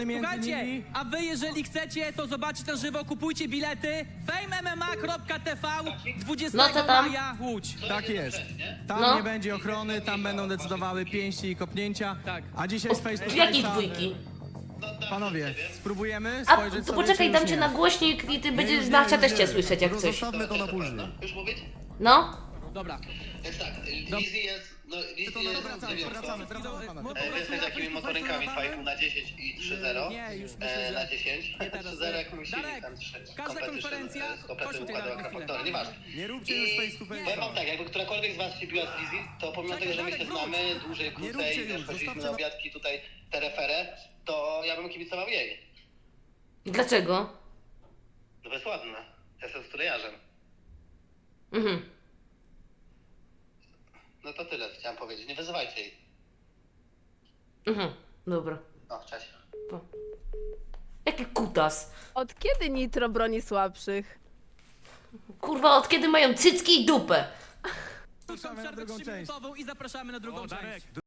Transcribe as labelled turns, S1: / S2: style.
S1: Słuchajcie, a wy jeżeli chcecie to zobaczyć na żywo, kupujcie bilety famemma.tv 20
S2: No co tam?
S1: maja Łódź.
S3: Tak jest. Tam
S2: No.
S3: nie będzie ochrony, tam będą decydowały pięści i kopnięcia.
S1: Tak.
S3: A dzisiaj z face to
S2: Jakiej
S3: face'a,
S2: dwójki?
S3: panowie, spróbujemy
S2: A
S3: spojrzeć
S2: to
S3: sobie,
S2: poczekaj,
S3: czy
S2: dam
S3: już
S2: cię
S3: nie.
S2: na głośnik i ty
S3: Nie,
S2: będziesz
S3: już nie,
S2: Nachcia
S3: już
S2: też
S3: nie.
S2: cię słyszeć jak coś.
S3: Zostawmy to na później.
S4: Już mówić?
S2: No?
S1: Dobra.
S4: Jest tak, Lizzy jest, no Lizzy
S3: To
S4: jest,
S3: wracamy,
S4: nie wiem
S3: wracamy,
S4: co.
S3: wracamy, panowie.
S4: Wiesz, takimi motorynkami 2,5 na 10 i 3,0
S1: Nie, już myślę, że...
S4: na 10.
S1: Nie teraz.
S4: 3,0 jak musi
S1: Darek,
S4: tam 3
S1: każda konferencja...
S4: z kompletem
S1: Chodź tutaj,
S4: układu
S1: Darek, na chwilę.
S4: akrafaktory, nieważne.
S3: Nie róbcie już face to
S4: Powiem wam
S3: face'a.
S4: tak, jakby którakolwiek z was się biła z Lizzy, to pomimo tego, że my się znamy dłużej,
S3: Nie
S4: krócej,
S3: róbcie
S4: wiesz,
S3: już,
S4: chodziliśmy
S3: zostawcie
S4: na
S3: na-
S4: obiadki tutaj tereferę, to ja bym kibicował jej.
S2: Dlaczego?
S4: No bo jest ładna. Ja jestem stulejarzem.
S2: Mhm.
S4: No to tyle chciałem powiedzieć, nie wyzywajcie jej.
S2: Mhm. Dobra.
S4: No, cześć.
S2: Jaki kutas.
S5: Od kiedy Nitro broni słabszych?
S2: Kurwa, od kiedy mają cycki i dupę?
S1: Krótką
S3: Zapraszamy na
S1: przerwę
S3: drugą część.
S1: 3-minutową i zapraszamy na drugą część.